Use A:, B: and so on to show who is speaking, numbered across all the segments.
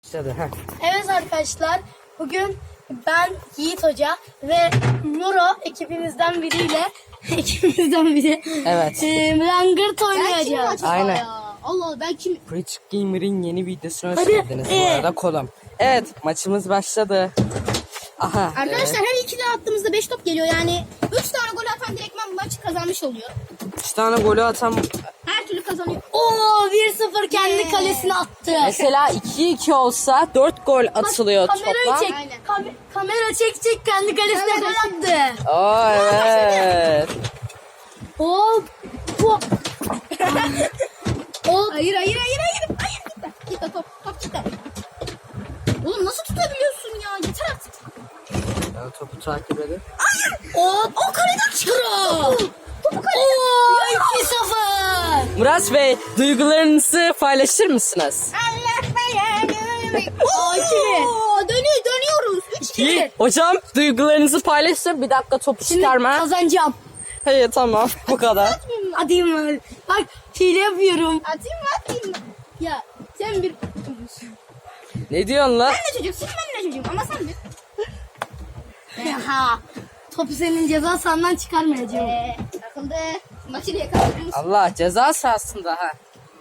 A: Evet arkadaşlar, bugün ben Yiğit Hoca ve Muro ekibimizden biriyle
B: Evet.
A: Langırt oynayacağız.
B: Aynen.
A: Ya? Allah, ben kim?
B: Preach Gamer'in yeni videosuna hoş
A: Hadi.
B: geldiniz. Bu arada kolum. Evet, maçımız başladı. Aha.
C: Arkadaşlar her iki de attığımızda 5 top geliyor, yani 3 tane gol atan direktman maçı kazanmış oluyor.
B: 3 tane golü atan
C: Her türlü kazanıyor.
A: Oo, 1-0 kendi kalesine attı.
B: mesela 2-2 olsa 4 gol atılıyor
A: Kamerayı
B: toplam.
A: çek.
C: Aynen.
A: Kamera çek kendi kalesine
C: Evet,
A: gol attı.
B: Oo evet.
A: Hop. Hop. Hop.
C: Hayır gitme. Gitme top gitme. Oğlum nasıl tutabiliyorsun ya? Yeter artık.
B: Ben topu takip edin.
A: Hop. O kaleden çıkıyor.
C: Topu
A: Oo,
C: kaleye.
A: 2-0.
B: Murat Bey, duygularınızı paylaşır mısınız?
C: Allah belanı.
A: Oo,
C: Dönüyoruz. 3-2.
B: Hocam, duygularınızı paylaşın. Bir dakika topu
A: Şimdi
B: çıkarma.
A: kazanacağım.
B: Hayır, tamam. Bu kadar.
A: Atayım mı? Bak, hile yapıyorum.
C: Atayım mı?
A: Ya sen bir...
B: Ne diyorsun lan?
C: Ben de çocuk, siz ben de çocuğum ama sen de.
A: Ha, topu senin ceza sahandan çıkarmayacağım.
C: Takıldı. Maçı yakaladınız.
B: Allah, ceza sahasında ha.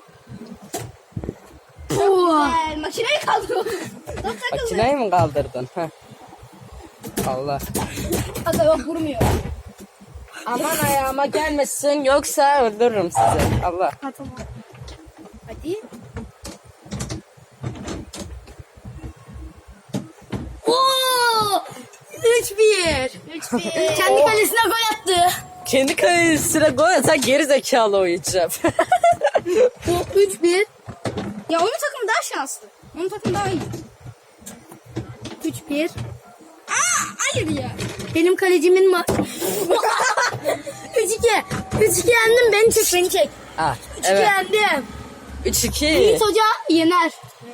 A: Oo.
C: Makineyi kaldırıyoruz. Top takıldı.
B: Makineyi mi kaldırdın? Heh. Allah.
C: Aga yok, vurmuyor.
B: Aman ayağıma gelmesin, yoksa öldürürüm sizi. Allah.
C: Ha tamam. Hadi.
A: Oo! 3-1.
C: 3-1.
A: Kendi kalesine gol attı.
B: Kendi kalesine gol atan geri zekalı oyuncu.
A: 3-1.
C: Ya onun takımı daha şanslı. Onun takımı daha iyi.
A: 3-1.
C: Hayır ya.
A: Benim kalecimin 3-2. 3-2 yendim. Beni çek.
B: Ah,
A: 3-2
B: evet.
A: yendim.
B: 3-2.
A: Yiğit Hoca yener.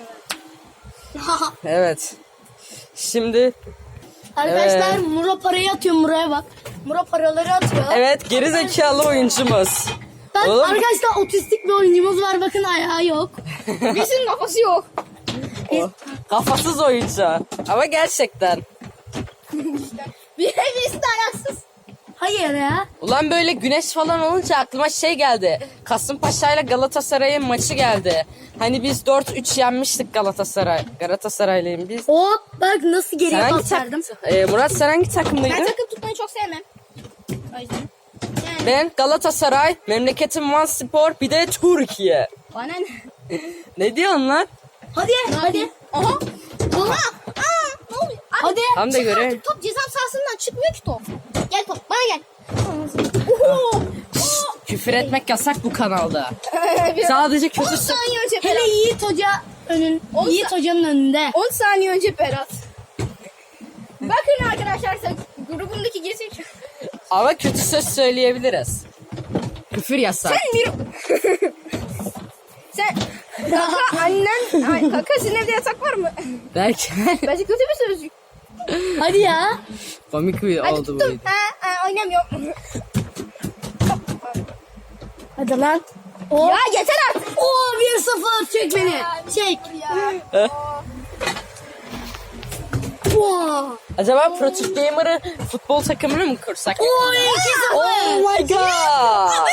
B: Evet. Şimdi
A: Arkadaşlar
B: Evet.
A: Muro parayı atıyor, Muro'ya bak. Muro paraları atıyor.
B: evet, geri zekalı oyuncumuz.
A: Bak
B: Oğlum.
A: arkadaşlar, otistik bir oyuncumuz var, bakın ayağı yok.
C: Birisinin kafası yok.
B: O, kafasız oyuncu. Ama gerçekten.
C: Birisi de ayaksız.
A: Hayır ya.
B: Ulan böyle güneş falan olunca aklıma şey geldi. Kasımpaşa ile Galatasaray'ın maçı geldi. Hani biz 4-3 yenmiştik Galatasaray'lıyım biz.
A: Hop, bak nasıl geriye
B: Sen hangi
A: pas verdim.
B: Murat, sen hangi takımlıydın?
C: Ben takım tutmayı çok sevmem. O yüzden. Yani
B: Ben Galatasaray, memleketim Van Spor, bir de Türkiye.
C: bana ne?
B: Ne diyorsun lan?
A: Hadi.
C: Aha.
A: Oha.
C: Ne oluyor? Abi,
A: Hadi.
B: Tam da
C: çık
B: göre.
C: artık, top ceza sahasından çıkmıyor ki top. Gel top, bana gel. Oho.
B: Küfür etmek yasak bu kanalda.
C: Biraz-
B: Sadece
C: 10
B: kötü
C: saniye önce
A: Hele
C: Berat.
A: Yiğit Hoca
C: On
A: Yiğit Hoca'nın önünde.
C: 10 saniye önce Berat. Bakın arkadaşlar, sen grubundaki gerizekalı.
B: Ama kötü söz söyleyebiliriz. Küfür yasak.
C: Sen bir... Sen... Kaka annen... Ay, kaka sizin evde yatak var mı?
B: Belki
C: Bence kötü bir sözcük.
A: Hadi ya.
B: komik bir
C: Hadi
B: oldu bu
C: tuttum.
B: video.
C: Oynamıyorum.
A: Hadi lan. Oo.
C: Ya yeter artık.
A: Oo, 1-0, çek beni. Çek.
C: Ya.
A: Oo.
B: Acaba Pro Türk Gamer'ı futbol takımını mı kursak?
A: Oo, 2-0.
B: Oh my god.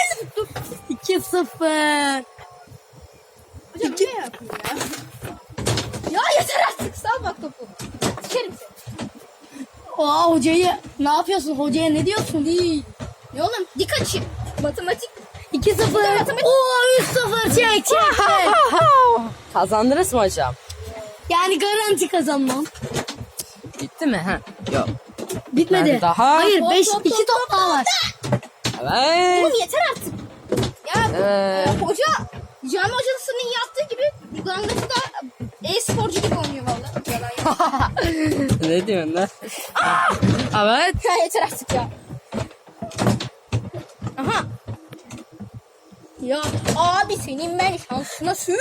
A: 2-0.
C: Hocam ne yapayım ya? Ya yeter artık. Sal bak topu. Sikerim seni.
A: Aa, hocayı ne yapıyorsun? Hocaya ne diyorsun? Değil.
C: Ne oğlum? Dik açayım. Matematik.
A: 2-0. Oo, 3-0, çek.
B: Kazandınız mı hocam?
A: Yani garanti kazanmam.
B: Bitti mi? Ha? Yok.
A: Bitmedi.
B: Yani daha-
A: Hayır,
C: Top,
A: 2
C: top,
A: top daha var.
B: Evet.
C: Oğlum yeter artık. Ya hoca cami hocasının yaptığı gibi Gangası da e-sporcu gibi oynuyor valla. Yalan ya.
B: Ne diyorsun lan? Evet.
C: Ya yeter artık ya. Aha. Ya abi senin ben şansına sür.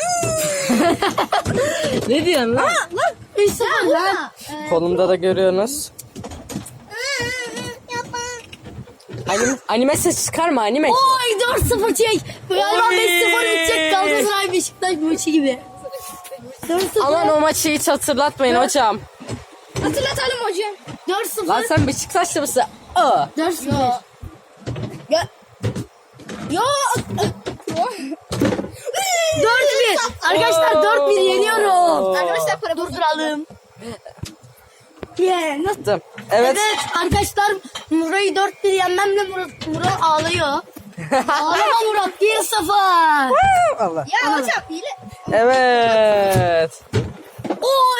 B: Ne diyorsun lan?
C: Lan
A: 3-0 lan.
B: Kolumda da görüyorsunuz.
C: Yapma.
B: Anime ses çıkarma, anime.
A: Oy, 4-0 çek. Galiba
B: Oy.
A: 5-0 edecek Galatasaray Beşiktaş maçı gibi. 4-0.
B: Aman o maçı hiç hatırlatmayın hocam.
C: Hatırlatalım hocam.
A: 4-0.
B: Lan sen Beşiktaşlı mısın? Aa.
A: 4-0.
C: Ya. Yo.
A: 4-1. Arkadaşlar 4-1 yeniyorum.
C: Arkadaşlar para
A: Durduralım. Yeah, nasıl?
B: Attım. Evet.
A: Evet arkadaşlar Murat'ı 4-1 yenmemle Murat ağlıyor. Ağlama Murat 1-0.
B: Allah.
C: Ya hocam hile.
B: Evet.
A: Oo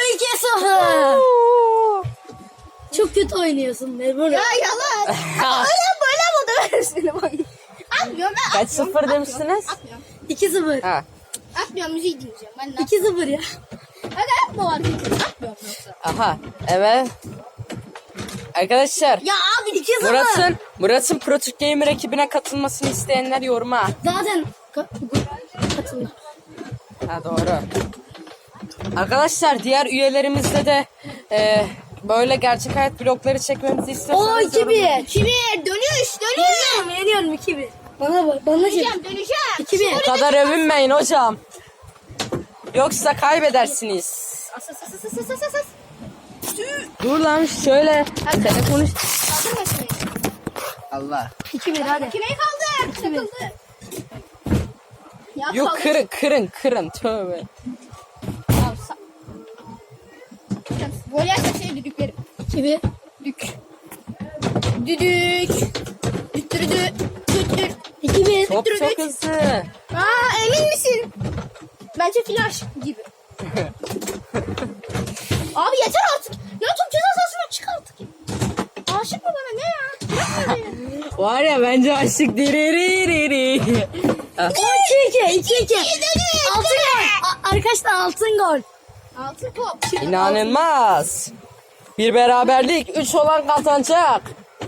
A: 2-0. Çok kötü oynuyorsun be Murat.
C: Ya yalan. Öyle böyle mi döversin bak. Atmıyorum ben.
B: Kaç sıfır demiştiniz?
C: Atmıyorum.
A: 2-0.
B: Ha.
C: Atmıyorum müziği dinleyeceğim. Ben de
A: 2-0 ya.
C: Hadi yapma var. Atmıyorum yoksa.
B: Aha. Evet. Arkadaşlar.
A: Ya abi 2-0.
B: Murat'ın Pro Türk Gamer ekibine katılmasını isteyenler yoruma.
A: Zaten katılıyor.
B: Ha doğru. Arkadaşlar diğer üyelerimizle de böyle gerçek hayat vlogları çekmemizi
A: Oo
B: istiyorsanız
A: 2-1.
C: Kimi? Dönüş.
A: Yeniyorum 2-1. Bana şey.
C: Döneceğim.
A: 2-1.
B: o kadar övünmeyin hocam. Yoksa kaybedersiniz.
C: As.
B: Dur lan şöyle. Telefonu.
C: Kaldırmasın.
B: Allah.
A: 2-1 hadi.
C: Kime kaldı? Takıldı. Ya
B: Yok
C: kaldı.
B: kırın. Tövbe.
C: Ya, gol yerse şey düdüklerim.
A: 2-1.
C: Düdük. Düttürüdü. Düttür.
A: 2-1.
B: Top çok hızlı.
C: Emin misin? Bence flash gibi. Abi yeter artık. Ya top ceza sahasına çık artık. Aşık mı bana ne ya? Yapma beni.
B: Var ya bence aşık diriri.
A: 2-2. Altın gol. Arkadaşlar altın gol.
C: Altın top.
B: İnanılmaz. Bir beraberlik 3 olan kazanacak.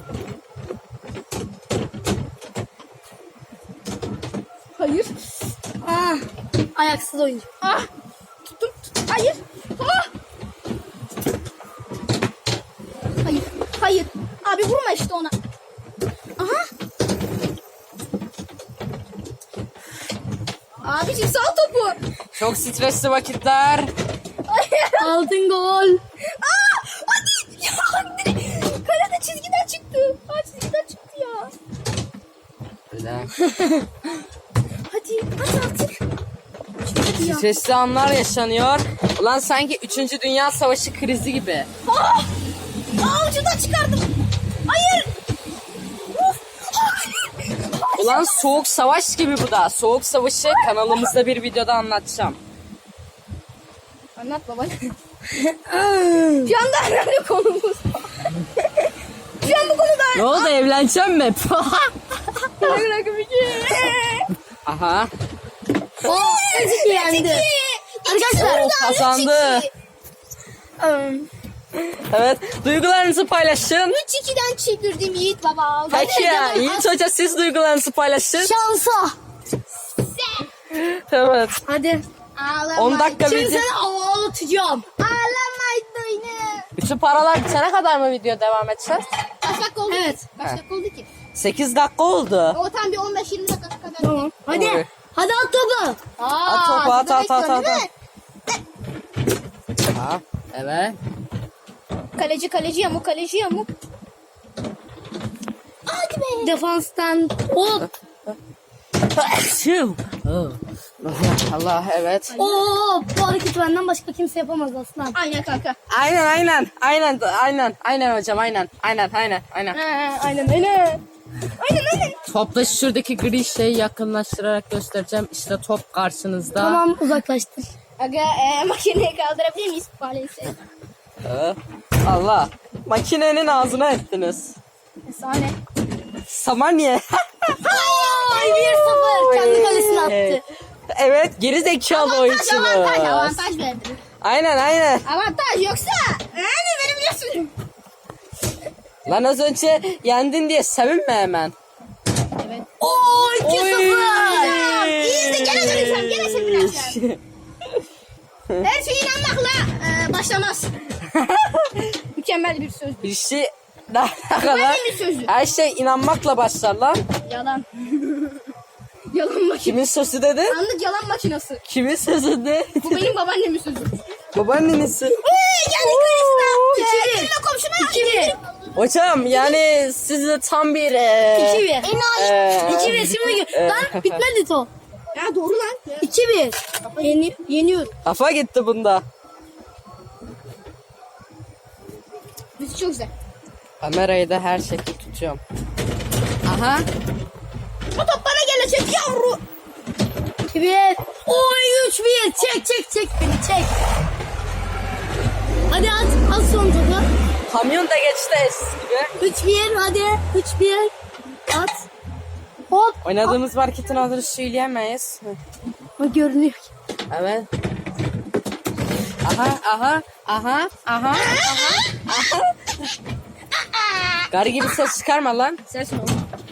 C: Hayır.
A: Ayaksız oyuncu.
C: Tuttum. Hayır. Hayır. Abi vurma işte ona. Aha. Abiciğim sal topu.
B: Çok stresli vakitler.
A: Altın gol.
C: Hadi. Ya hadi. Kalede çizgiden çıktı. Çizgiden çıktı ya. Hadi artık. Hadi ya.
B: Stresli anlar yaşanıyor. Ulan sanki 3. Dünya Savaşı krizi gibi.
C: Ucundan çıkardım. Hayır.
B: Ulan soğuk savaş gibi bu da. Soğuk savaşı kanalımızda bir videoda anlatacağım.
C: Anlat baba. Şu anda önemli konumuz. Şu an bu konuda.
B: Ne oldu evleneceğim mi? Aha.
A: Oo 3-2 yendi. Arkadaşlar.
B: O kazandı. Evet. Duygularınızı paylaşın.
C: 3-2'den çevirdim Yiğit baba.
B: Peki ya. Yiğit Hoca siz duygularınızı paylaşın.
A: Şansa.
B: Evet.
A: Hadi.
B: 10 dakika
A: Şimdi
B: video.
A: seni ağlatacağım.
C: Ağlamaydı yine.
B: Bütün paralar bitene kadar mı video devam edeceğiz?
C: Kaç dakika oldu?
A: Evet.
C: Kaç dakika oldu ki?
B: 8 dakika oldu.
C: O tam bir 15-20 dakika kadar.
A: Tamam. Hadi.
B: Doğru.
A: Hadi at topu.
B: At topu, at,
C: burada
B: at, at,
C: bekliyorsun,
B: at.
C: değil mi?
B: Ha, evet.
C: Kaleci yamuk. Hadi be.
A: Defanstan hop.
B: Allah evet.
A: Oo bu hareketi benden başka kimse yapamaz aslan.
C: Aynen kanka.
B: Aynen hocam aynen.
C: Aynen.
B: Topla şuradaki gri şeyi yakınlaştırarak göstereceğim. İşte top karşınızda.
A: Tamam uzaklaştır.
C: Aga makineyi kaldırabilir miyiz? Maalesef.
B: Allah. Makinenin ağzına ettiniz.
C: Efsane.
B: Samanye.
A: Ay 1-0 kendi kalesine attı.
B: Evet geri zekalı oyuncumuz.
C: Avantaj verdim.
B: Aynen.
C: Avantaj yoksa verebiliyorsun.
B: Lan az önce yendin diye sevinme hemen.
C: Evet.
A: Oo 2-0.
C: İyi de gene döneceğim. Gene sevineceğim. Her şeye inanmakla başlamaz. Mükemmel bir söz.
B: Bir şey daha kadar
C: bir sözü.
B: her şey inanmakla başlar lan.
C: Yalan. Yalan makinesi.
B: Kimin sözü dedi?
C: Anlık yalan makinesi.
B: Kimin sözü de?
C: Bu benim babaannemin sözü.
B: Babaannenisi.
C: Geldik karşısına. Yakınla komşuna. 2-1.
B: Hocam yani siz de tam bir...
A: 2-1. 2-1
C: Enayi.
A: şimdi. Lan bitmedi top.
C: Ya doğru lan.
A: 2-1. Yeniyorum.
B: Kafa gitti bunda.
C: Müzik çok güzel.
B: Kamerayı da her şekilde tutuyorum. Aha.
C: O top bana gelecek yavru.
A: 2-1. Oy 3-1. Çek beni çek. Hadi at son topu.
B: Kamyon da geçti eski gibi.
A: 3-1 hadi. 3-1. At. Hop.
B: Oynadığımız marketin adını söyleyemeyiz.
A: O görünüyor.
B: Evet. Aha. Garı gibi ses çıkarma lan.
C: Ses mi?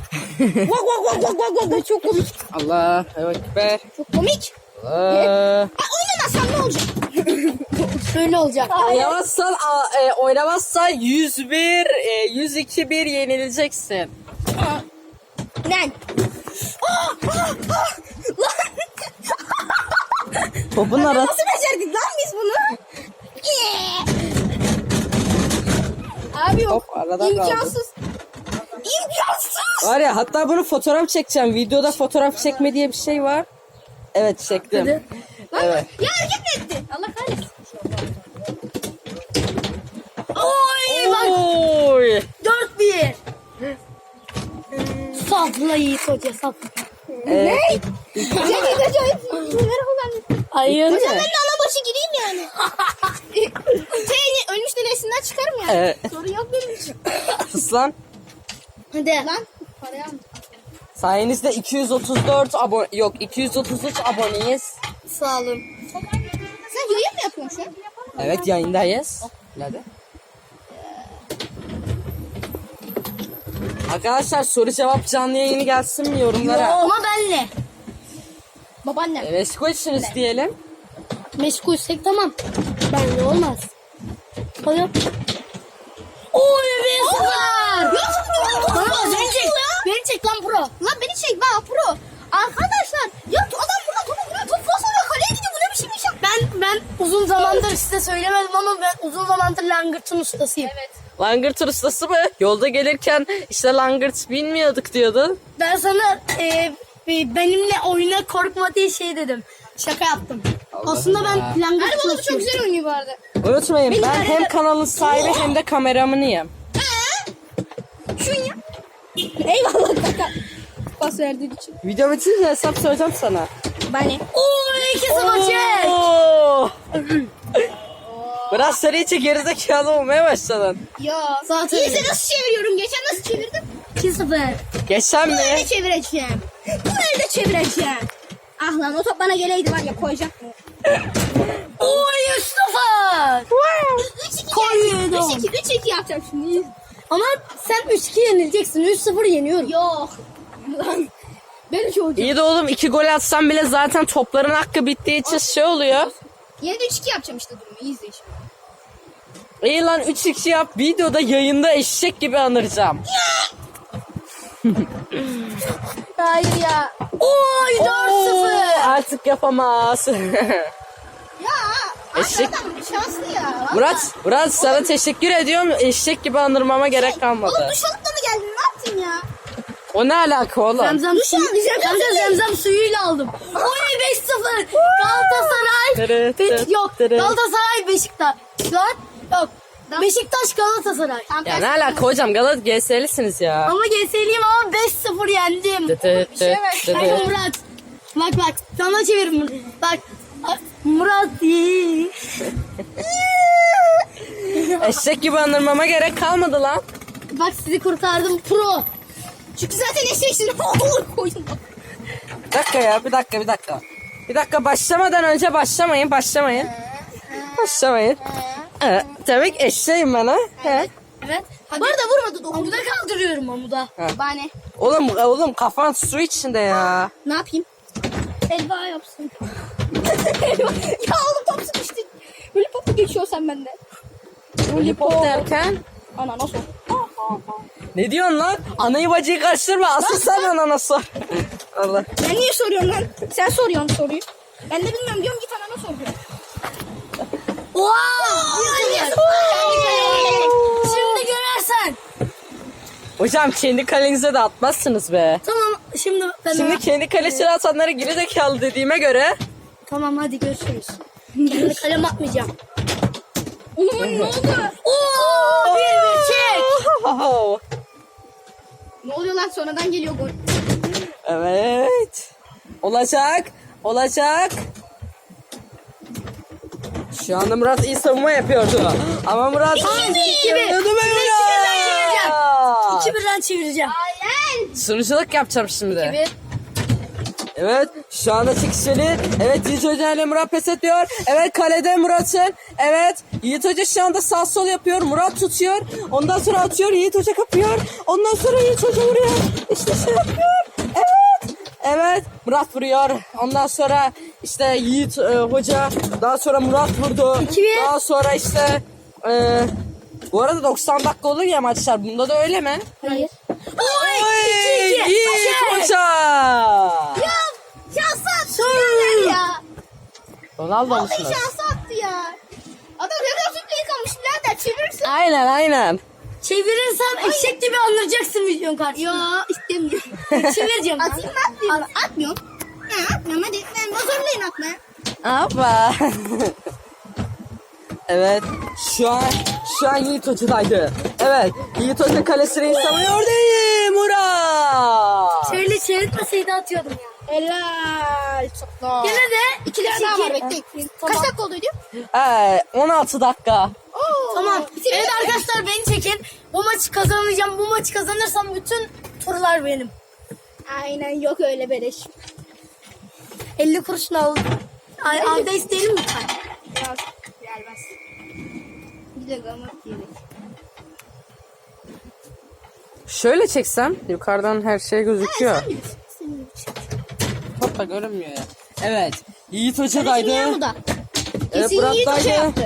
C: Vak. Çok komik.
B: Allah. Ekber.
C: Çok komik.
B: Allah.
C: Oynamazsam ne olacak?
A: Şöyle olacak.
B: Oynamazsan 101, 102-1 yenileceksin.
C: Lan.
B: Topun arası.
C: Nasıl becerdik lan biz bunu? Abi yok.
B: Top arada kaldı.
C: İmkansız. İmkansız.
B: Var ya hatta bunu fotoğraf çekeceğim. Videoda fotoğraf çekme diye bir şey var. Evet çektim.
A: Hadi.
B: Evet.
C: Ya hareket mi etti? Allah kahretsin.
A: Oy bak.
B: Oy.
A: 4-1. Sapla Yiğit Hoca sapla.
B: Ne?
C: Cengiz acayip şeyleri kullandı.
A: Hayır.
C: Hocam ben de ana başı gireyim yani. Ölmüş denesinden çıkarım yani.
B: Evet.
C: Sorun yok benim için.
B: Sus lan.
A: Hadi.
C: Lan parayı aldım.
B: Sayenizde 233 aboneyiz.
A: Sağ olun.
C: Sen yayın mı yapıyorsun şu an?
B: Evet yayındayız. Hadi. Arkadaşlar soru cevap canlı yayını gelsin mi yorumlara?
A: Ama benle.
C: Babaannem.
B: Meşgulsünüz diyelim.
A: Meşgulsek tamam. Benle olmaz. Hadi. Oy 1-0. Bana bak beni çek lan pro.
C: Lan beni çek bak pro. Arkadaşlar ya adam burada topu vuruyor. Top fazla vuruyor. Kaleye gidiyor. Bu ne biçim iş ya?
A: Ben uzun zamandır size söylemedim ama ben uzun zamandır langırtın ustasıyım.
C: Evet.
B: Langırt ustası mı? Yolda gelirken işte langırt bilmiyorduk diyordun.
A: Ben sana benimle oyuna korkma diye şey dedim. Şaka yaptım. Aslında ben langırt
C: Harbi oğlum çok
A: ustasıyım.
C: güzel oynuyor bu arada.
B: Unutmayın ben hem kanalın sahibi hem de kameramanıyım.
C: Şun ya. Eyvallah kaka. Pas verdiğin için.
B: Video bitince hesap soracağım sana.
C: Bana.
A: Oy 2-0 çek.
B: Oo! Biraz sen iyice gerizekalı olmaya başladın.
C: Ya.
A: Zaten
C: İyisi nasıl çeviriyorum? Geçen nasıl çevirdim?
A: 2-0.
B: Geçen
C: Bu
B: mi?
C: elde çevireceğim. Bu elde çevireceğim. Ah lan o top bana geleydi var ya koyacaktım.
A: Oy 3-0.
C: 3-2
A: Koydum.
C: 3-2 yapacağım şimdi.
A: Ama sen 3-2 yenileceksin. 3-0 yeniyorum.
C: Yok. Lan. Ben 3 olacağım.
B: İyi de oğlum 2 gol atsam bile zaten topların hakkı bittiği için şey oluyor.
C: Yine de 3-2 yapacağım işte durumu. İyi izle şimdi.
B: İyi lan 3-2 yap videoda yayında eşek gibi anıracağım.
C: Hayır ya.
A: Oy 4-0.
B: Artık yapamaz.
C: Ya.
B: Eşek.
C: Adam şanslı ya.
B: Murat sana teşekkür ediyorum. Eşek gibi anırmama gerek
C: Oğlum
B: kalmadı.
C: duş alıp da mı geldin? Ne yaptın ya?
B: O ne alaka oğlum?
A: Zemzem suyu. Zemzem suyuyla aldım. Oy 5-0. Galatasaray. Yok. Galatasaray Beşiktaş. Lan yok. Beşiktaş Galatasaray.
C: Tam
B: Ya
C: tersi.
B: ne alaka hocam GS'lisiniz ya.
A: Ama GS'liyim ama 5-0 yendim.
C: Bir şey var.
A: Bak Murat. Bak sana çevir. Bak. Murat.
B: Eşek gibi anırmama gerek kalmadı lan.
A: Bak sizi kurtardım pro.
C: Çünkü zaten eşeksin. Olur koydum.
B: Bir dakika ya bir dakika. Bir dakika başlamadan önce başlamayın. Başlamayın. Demek eşeğim ben ha.
A: Evet.
C: Bu arada vurmadı dokundu.
A: Amuda kaldırıyorum amuda.
C: Bana.
B: Oğlum kafan su içinde ya.
C: Ne yapayım?
A: Elva yapsın.
C: Ya oğlum top sıkıştı. Böyle popu geçiyor sen bende.
B: Lollipop derken.
C: Ana nasıl?
B: Ne diyorsun lan? Anayı bacıyı karıştırma. Asıl sen anana sor. Allah.
C: Ben niye soruyorum lan? Sen soruyorsun soruyu. Ben de bilmiyorum diyorum, git anana sor diyorum.
A: Şimdi görersen.
B: Hocam kendi kalenize de atmazsınız be.
A: Tamam şimdi ben
B: Şimdi kendi kalesine atanlara gerizekalı dediğime göre.
A: Tamam hadi görüşürüz. Kendi kalem atmayacağım.
C: Oğlum ne oldu?
A: Oo, bir çek.
C: Ne oluyor lan, sonradan geliyor gol.
B: Evet. Olacak. Olacak. Şu anda Murat iyi savunma yapıyordu. Ama Murat...
A: 2-1'den çevireceğim.
C: Aynen.
B: Sunuculuk yapacağım şimdi.
A: Bir.
B: Evet şu anda çekişmeli. Evet Yiğit Hoca ile Murat pes ediyor. Evet kalede Murat'ın. Evet Yiğit Hoca şu anda sağ sol yapıyor. Murat tutuyor. Ondan sonra atıyor. Yiğit Hoca kapıyor. Ondan sonra Yiğit Hoca vuruyor. İşte şey yapıyor. Evet. Evet Murat vuruyor. Ondan sonra işte Yiğit Hoca. Daha sonra Murat vurdu.
A: 2-1.
B: Daha sonra işte... bu arada 90 dakika olur ya maçlar. Bunda da öyle mi?
A: Hayır.
B: Oy,
A: 2-2.
B: Yiğit Hoca.
C: Ya şansı attı ya.
B: Ronaldo
C: Vallahi
B: musunuz?
C: şansı attı ya. Adam Revolution'da yıkamış birader, çevirirsin.
B: Aynen aynen.
A: Çevirirsem eşek gibi anlayacaksın videonun karşısında.
C: Ya istemiyorum.
A: Çevireceğim. ben.
C: Atayım mı atmayayım mı? Atmıyorum. Ya atmıyorum, hadi. Ben zorlayın atmaya.
B: Hoppa. Evet. Şu an Yiğit Hoca'daydı. Evet. Yiğit Hoca kalesini savunuyor değil Murat.
A: Şöyle çevirtmeseydi atıyordum ya.
C: Helal. Çok da.
A: Gene de
C: 2 tane daha var, bekleyin.
A: Tamam.
C: Kaç dakika olduydu?
B: 16 dakika.
C: Oo.
A: Tamam. Evet arkadaşlar beni çekin. Bu maçı kazanacağım. Bu maçı kazanırsam bütün turlar benim.
C: Aynen, yok öyle beleş.
A: 50 kuruşunu aldım. Ayda isteyelim mi?
C: Ya, gelmez. Bir de gamat yedik.
B: Şöyle çeksem yukarıdan her şey gözüküyor.
C: Sen bilirsin. Senin için.
B: Hoppa görünmüyor ya. Evet. Yiğit
C: Şimdi
B: Hoca'daydı.
C: ya bu da.
B: Evet
C: Kesin Yiğit Hoca
B: Murat'taydı.
C: yaptı.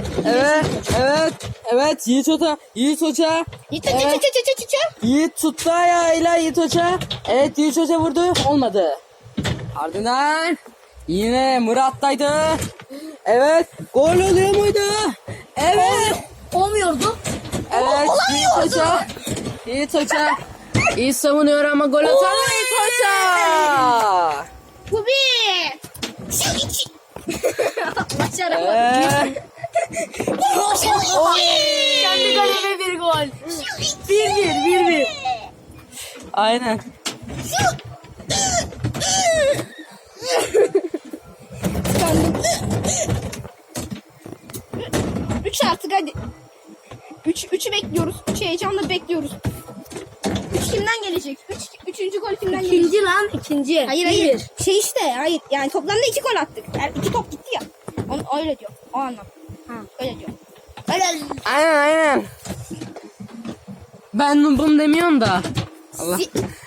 B: Evet Yiğit Hoca. Yiğit Hoca.
C: Yiğit Hoca,
B: Evet. Yiğit tuttu ayağıyla Yiğit Hoca. Evet Yiğit Hoca vurdu. Olmadı. Ardından yine Murat'taydı. Evet. Gol oluyor muydu? Evet.
A: Olmuyordu.
B: Evet Yiğit Hoca. Yiğit Hoca. İyi savunuyor ama gol atamıyor Yiğit Hoca.
C: Bu bir. Şu iki. Başaramadım.
A: Kendi kaleme bir gol. 1-1.
B: Aynen.
C: Tıkandım. 3 artık hadi. 3'ü bekliyoruz. 3 heyecanla bekliyoruz. 3 kimden gelecek? 3. gol kimden gelecek?
A: İkinci lan ikinci.
C: Hayır. Şey işte, hayır. Yani toplamda 2 gol attık. Yani 2 top gitti ya. Onu öyle diyor. O anlam. Ha, öyle diyor. Öyle.
B: Aynen. Ben bunu demiyorum da. Allah.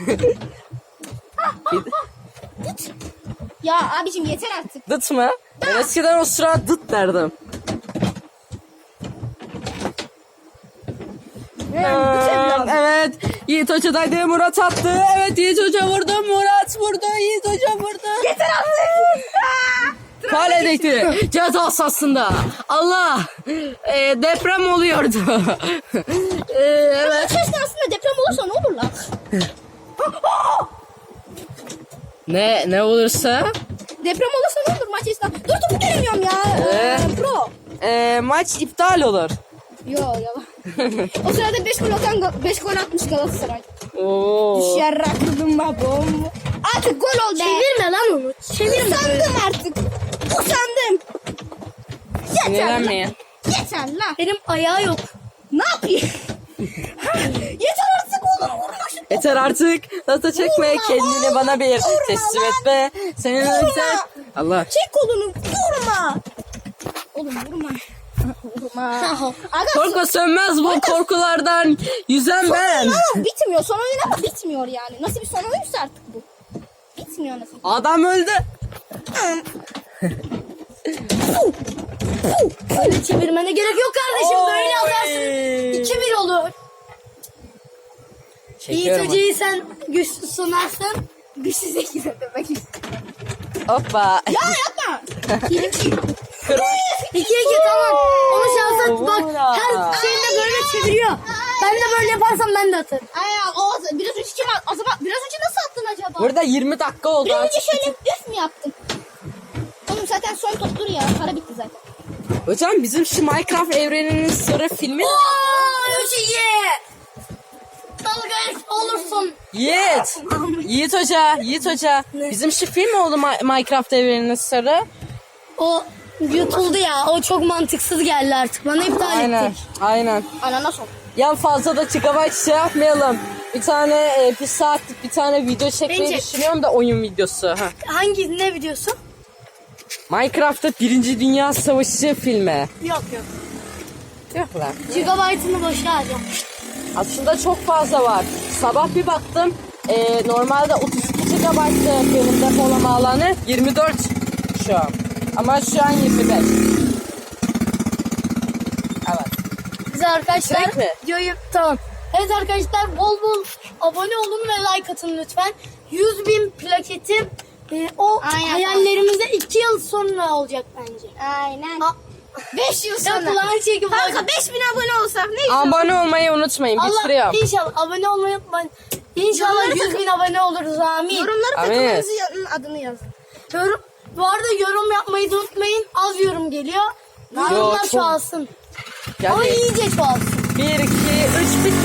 C: Ya abicim yeter artık.
B: Dıt mı? Ben eskiden o sıra dıt derdim. Evet. Yiğit Hoca'daydı. Murat attı. Evet Yiğit Hoca vurdu. Murat vurdu. Yiğit Hoca vurdu.
C: Yeter artık.
B: Kaledeydi. Ceza sahasında. Allah. Deprem oluyordu. Evet.
C: Maç esnasında deprem olursa ne olur lan?
B: Ne olursa?
C: Deprem olursa ne olur maç esnasında? Dur topu göremiyorum ya. Pro.
B: Maç iptal olur.
C: Yo yalan. O sırada 5 gol atmış Galatasaray.
B: Oo.
C: Dışarı akıdım babam. Artık gol oldu.
A: Çevirme lan onu. Çevirme.
C: Usandım artık. Usandım. Yeter lan.
B: Sinirlenmeyin.
C: Yeter lan.
A: Benim ayağı yok.
C: Ne yapayım? Yeter artık oğlum, vurma şu topu.
B: Yeter artık. Data çekme.
C: Vurma
B: Kendini
C: oğlum,
B: bana bir
C: vurma
B: teslim
C: lan.
B: et be. Senin
C: Vurma.
B: özel. Allah.
C: Çek kolunu, vurma. Oğlum vurma. Vurma. Aga,
B: Korku sönmez bu korkulardan. Yüzen ben.
C: ama bitmiyor. Son oyun ama bitmiyor yani. Nasıl bir son oyunsa artık bu. Bitmiyor nasıl.
B: Adam öldü.
A: Böyle çevirmene gerek yok kardeşim. Böyle atarsın. 2-1 olur. Yiğit
B: Çekiyorum.
A: Hoca'yı sen güçlü sunarsın.
C: Güçsüz ekize demek istiyorum.
B: Hoppa.
C: Ya yapma.
B: Kır.
A: 2-2 tamam. Onu şansa bak.
B: Vura.
A: Her şeyinde böyle çeviriyor. Ben de böyle yaparsam ben de atarım.
C: Ay biraz önce kim o zaman biraz önce nasıl attın acaba?
B: Burada 20 dakika oldu.
C: Biraz önce
B: Artık
C: şöyle üf mü yaptın? Oğlum zaten son toptur ya. Para bitti zaten.
B: Hocam bizim şu Minecraft evreninin sırrı filmi.
A: Ooo 3-2. Dalga olursun.
B: Yiğit Hoca. Bizim şu film oldu Minecraft evreninin sırrı.
A: O yutuldu ya. O çok mantıksız geldi artık. Bana iptal
B: Aynen.
A: ettik.
B: Aynen.
C: Ananas ol.
B: Ya fazla da gigabyte şey yapmayalım. Bir tane bir saatlik bir tane video çekmeyi
A: Bence-
B: düşünüyorum da oyun videosu. Ha.
A: Hangi ne videosu?
B: Minecraft'ta 1. Dünya Savaşı filmi.
A: Yok.
B: Yok lan.
A: Gigabyte'ını boşa harcam.
B: Aslında çok fazla var. Sabah bir baktım. Normalde 32 GB'tı benim depolama alanı. 24 şu an. Ama şu an 25. Evet.
A: Bize arkadaşlar
B: Direkt mi?
A: videoyu tamam. Evet arkadaşlar bol bol abone olun ve like atın lütfen. 100.000 plaketim o
C: Aynen.
A: hayallerimizde 2 yıl sonra olacak bence.
C: Aynen.
A: Aa,
C: 5 yıl
A: ya
C: sonra.
A: kulağın çekip
C: Kanka 5000 abone olsak ne güzel.
B: Abone olmayı unutmayın.
A: Allah
B: Bitiriyorum.
A: inşallah abone olmayı unutmayın. İnşallah
C: Yorumlara
A: 100.000 abone oluruz amin.
C: Yorumlara
B: Amin.
C: takımınızın adını yazın.
A: Bu arada yorum yapmayı da unutmayın. Az yorum geliyor. Yorumlar
B: çok-
A: çoğalsın.
B: Yani
A: Ama iyice çoğalsın.
B: 1, 2, 3 bitti.